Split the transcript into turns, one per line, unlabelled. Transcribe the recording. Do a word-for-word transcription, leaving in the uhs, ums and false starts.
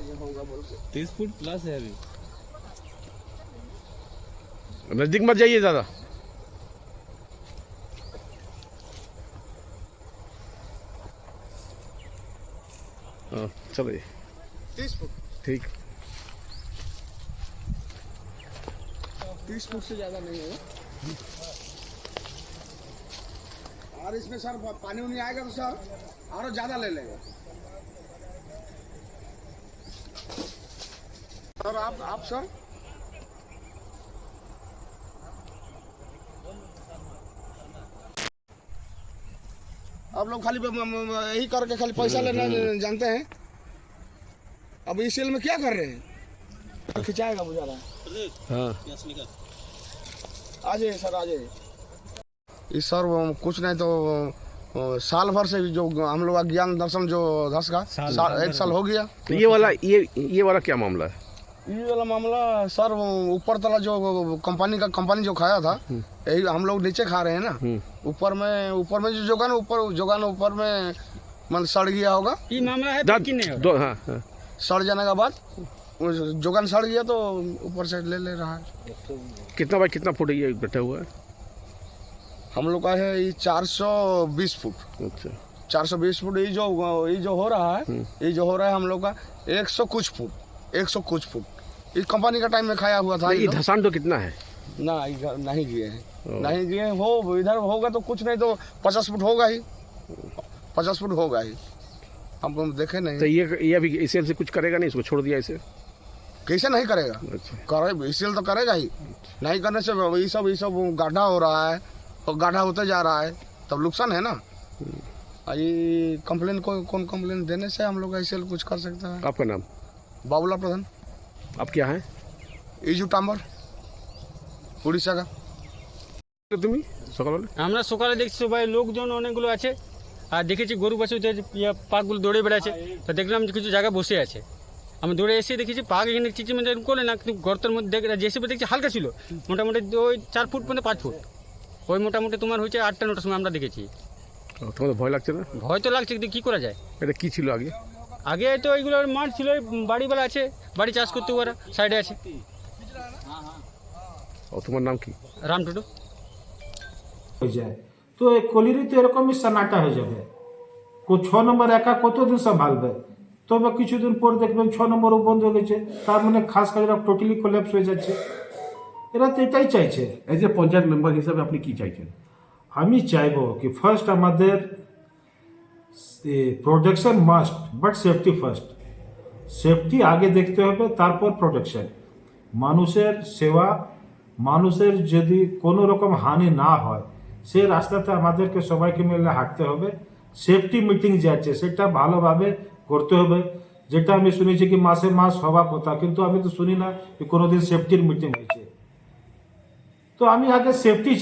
तीस foot plus है अभी।
नजदीक मत जाइए ज्यादा। हाँ चलिए
तीस फुट
ठीक।
तीस फुट से ज्यादा नहीं है। और इसमें सर पानी उनी आएगा तो सर और ज्यादा ले लेगा सर। आप आप सर आप लोग खाली यही करके खाली पैसा लेना जानते हैं। अब इस सेल में क्या कर रहे हैं? खिंचाएगा बुझा रहा है।
हाँ
आ जाइए सर, आ जाइए। इस सर कुछ नहीं तो साल भर से जो हम लोग का ज्ञान दर्शन जो दस का साल, साल, एक साल हो गया।
तो ये वाला ये ये वाला क्या मामला है?
ये वाला मामला सर ऊपर तला जो कंपनी का कंपनी जो खाया था यही हम लोग नीचे खा रहे हैं ना। ऊपर में ऊपर में जो जोगान ऊपर जोगान ऊपर में मतलब सड़ गया होगा।
ये मामला है कि नहीं
दो, हाँ, हाँ।
सड़ जाने के बाद जोगान सड़ गया तो ऊपर से ले ले रहा है।
कितना बाई कितना फुट ये बैठा हुआ है?
हम लोग का है ये चार सौ बीस फुट।
अच्छा
चार सौ बीस फुट। ये जो ये जो हो रहा है ये जो हो रहा है हम लोग का एक सौ कुछ फुट एक सौ कुछ फुट इस कंपनी का टाइम में खाया हुआ था।
ये धसान तो कितना है?
ना नहीं गिए हैं, नहीं गिए हो। इधर होगा तो कुछ नहीं तो पचास फुट होगा ही, पचास फुट होगा ही। हम देखे नहीं।
तो ये ये अभी इसे से कुछ करेगा नहीं? इसको छोड़ दिया इसे?
कैसे नहीं करेगा?
अच्छा
करे इसीलिए तो करेगा ही। नहीं करने से ये सब ये सब गाढ़ा हो रहा है और गाढ़ा होते जा रहा है तब नुकसान है ना। ये कंप्लेन को कौन कंप्लेन देने से हम लोग ऐसे कुछ कर सकते हैं।
आपका नाम?
बाबूला प्रधान।
आप क्या है?
इजू टाम्बर उड़ीसा का।
তুমি সকালে?
আমরা সকালে দেখছি সবাই লোকজন অনেকগুলো আছে আর দেখেছি গরু বাছুর পাকগুলো দৌড়ে বেড়াচ্ছে। তো দেখলাম যে কিছু জায়গায় বসে আছে। আমি দৌড়ে এসে দেখেছি পাক এখানে চিচিমেন্ট করে না, কিন্তু গর্তের মধ্যে দেখে যেসব দেখছি হালকা ছিল, মোটামুটি ওই চার ফুট মানে পাঁচ ফুট ওই মোটামুটি তোমার হচ্ছে আটটা নটার সময় আমরা দেখেছি।
তোমাদের ভয় লাগছে না?
ভয় তো লাগছে, কিন্তু কী করা যায়।
এটা কি ছিল আগে?
আগে তো এইগুলোর মাঠ ছিল, বাড়িওয়ালা আছে, বাড়ি চাষ করতে ওরা সাইডে আছে।
ও তোমার নাম কি?
রাম টুডু।
হয়ে যায় তো এই কলিরিতে এরকমই সান্নাটা হয়ে যাবে। ছ নম্বর একা কতদিন সামলাবে? তবে কিছুদিন পর দেখবেন ছ নম্বরও বন্ধ হয়ে গেছে, তার মানে খাস কাজরা টোটালি কোল্যাপস হয়ে যাচ্ছে। এরা তো এটাই চাইছে।
এজ এ পঞ্চায়েত মেম্বার হিসাবে আপনি কি চাইছেন?
আমি চাইবো কি ফার্স্ট আমাদের protection must, but safety first. Safety আগে দেখতে হবে, তারপর প্রোটেকশন। মানুষের সেবা, মানুষের যদি কোনো রকম হানি না হয় সেই রাস্তাতে আমাদেরকে সবাইকে মিলে হাঁটতে হবে। সেফটি মিটিং যে আছে সেটা ভালোভাবে করতে হবে, যেটা আমি শুনেছি কি মাসে মাস হওয়ার কথা, কিন্তু আমি তো শুনি না যে কোনোদিন সেফটির মিটিং হয়েছে। তো আমি আগে সেফটি